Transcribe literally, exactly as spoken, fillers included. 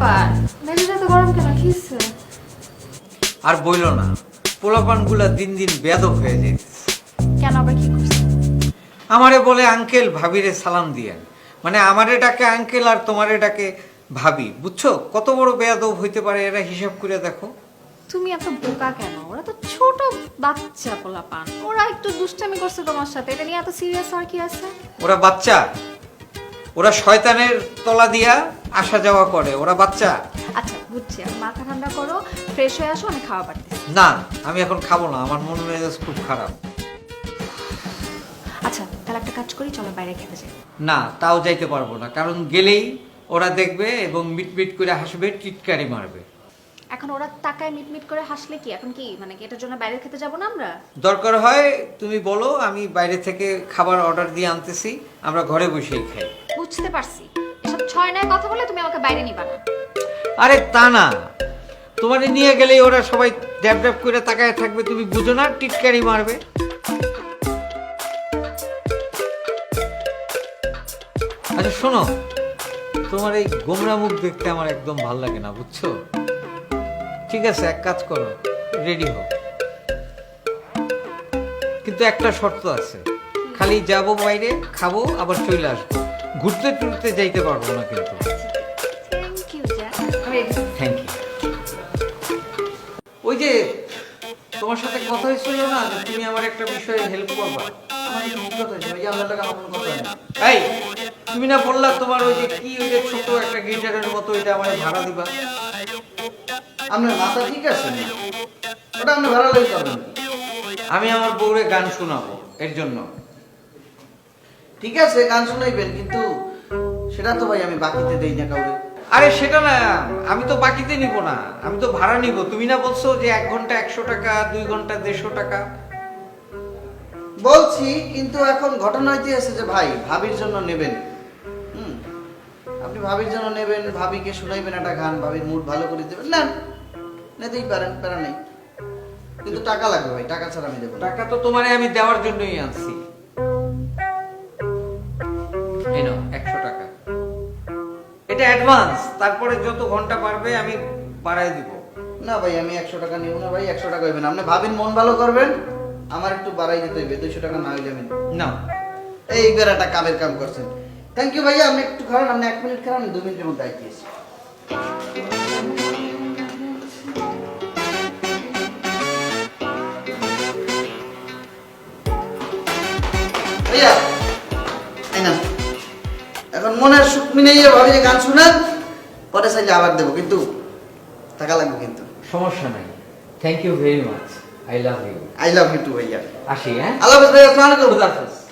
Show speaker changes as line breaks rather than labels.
ব্যাপার? মেজাজটা তো গরম কেন? কি হইছে?
আর বইলো না, পোলাপানগুলা দিন দিন বেয়াদব হয়ে যাইতেছে।
কেন আবার কি করছে?
আমারে বলে আঙ্কেল ভাবিরে সালাম দিয়েন, মানে আমারে ডাকে আঙ্কেল আর তোমারে ডাকে ভাবি। বুঝছো কত বড় বেয়াদব হইতে পারে এরা? হিসাব করে দেখো।
তুমি এত বোকা কেন? ওরা তো ছোট বাচ্চা পোলাপান, ওরা একটু দুষ্টামি করছে তোমার সাথে, এটা নিয়ে এত সিরিয়াস আর কি আছে?
ওরা বাচ্চা? ওরা শয়তানের তলা দিয়া আসা যাওয়া করে, ওরা বাচ্চা?
আচ্ছা বুঝছি, এখন মাথা ঠান্ডা করো, ফ্রেশ হয়ে আসো, আমি খাওয়া পারতেছি।
না, আমি এখন খাবো না, আমার মন মেজাজ খুব খারাপ।
আচ্ছা তাহলে একটা কাজ করি, চলো বাইরে খেতে যাই।
না, তাও যাইতে পারবো না, কারণ গেলেই ওরা দেখবে এবং মিটমিট করে হাসবে, টিটকারি মারবে।
এখন ওরা তাকায় মিটমিট করে হাসলে কি এখন কি মানে কি এটার জন্য বাইরে খেতে যাবো না আমরা?
দরকার হয় তুমি বলো, আমি বাইরে থেকে খাবার অর্ডার দিয়ে আনতেছি, আমরা ঘরে বসেই খাই।
বুঝতে পারছি, এসব ছয় নয় কথা বলে তুমি আমাকে বাইরে নিবা না।
আরে তা না, তোমারে নিয়ে গেলেই ওরা সবাই ড্যাব ড্যাব করে তাকায় থাকবে, তুমি বুঝো না, টিটকারি মারবে। আচ্ছা শোনো, তোমার এই গোমরা মুখ দেখতে আমার একদম ভাল লাগে না, বুঝছো? ঠিক আছে, এক কাজ করো, রেডি হও, কিন্তু একটা শর্ত আছে, খালি যাবো বাইরে, খাবো, আবার চলে আসবো, ঘুরতে টুরতে যাইতে পারবো না কিন্তু।
থ্যাংক ইউ জ্যাক, আমি রেডি।
Thank you. ওই যে তোমার সাথে কথা হয়েছিল না যে তুমি আমার একটা বিষয়ে হেল্প করবা?
আমার কি কথা হয়েছে ভাই? আল্লাহ টাকা আমার কোনো কথা হয় না।
এই, তুমি না বললা তোমার ওই যে কি ওই যে ছোট একটা গিটারের মতো, ওইটা আমার ভাড়া দিবা?
আপনার মাথা ঠিক আছে না? ওটা আপনি ভাড়া লাগে করবেন।
আমি আমার বউরে গান শোনাবো, এর জন্য।
ঠিক আছে গান শোনাইবেন, কিন্তু সেটা তো ভাই আমি বাকিতে দেই না কাউরে।
আরে সেটা না, আমি তো বাকিতে নিব না, আমি তো ভাড়া নিব। তুমি না বলছো যে এক ঘন্টা একশো টাকা, দুই ঘন্টা দেড়শো টাকা?
বলছি, কিন্তু এখন ঘটনা হইতেছে যে ভাই ভাবির জন্য নেবেন। হুম, আপনি ভাবির জন্য নেবেন, ভাবিকে শোনাইবেন একটা গান, ভাবির মুড ভালো করে দেবেন, না নিতেই পারেন, প্যারা নেই, কিন্তু টাকা লাগবে ভাই, টাকা ছাড়া আমি দেবো না।
টাকা তো তোমারে আমি দেওয়ার জন্যই আনছি। এই নাও একশো টাকা, এটা অ্যাডভান্স, তারপরে যত ঘন্টা পারবে আমি বাড়াই দিব।
না ভাই আমি একশো টাকা নিব না ভাই, একশো টাকা হইবেন, আপনি ভাবির মন ভালো করবেন, আমার একটু বাড়াই দিতে হইবে, দুইশো টাকা না হইলে আমি
না,
এই বেড়াটা কামের কাম করছেন। থ্যাংক ইউ ভাইয়া, আপনি একটু খারান, আপনি এক মিনিট খারান, দু মিনিটের মধ্যে আইতেছি। ভাইয়া এই না, এখন মনের সুখ মিলিয়ে ভাবি যে গান শুনেন, পরে চাইলে আবার দেবো, কিন্তু টাকা লাগবে কিন্তু।
সমস্যা নাই। Thank you very much, I love you.
I love you too ভাইয়া।
আসি, হ্যাঁ?
আল্লাহ হাফেজ ভাইয়া, আসসালামু আলাইকুম।
খুদা হাফেজ।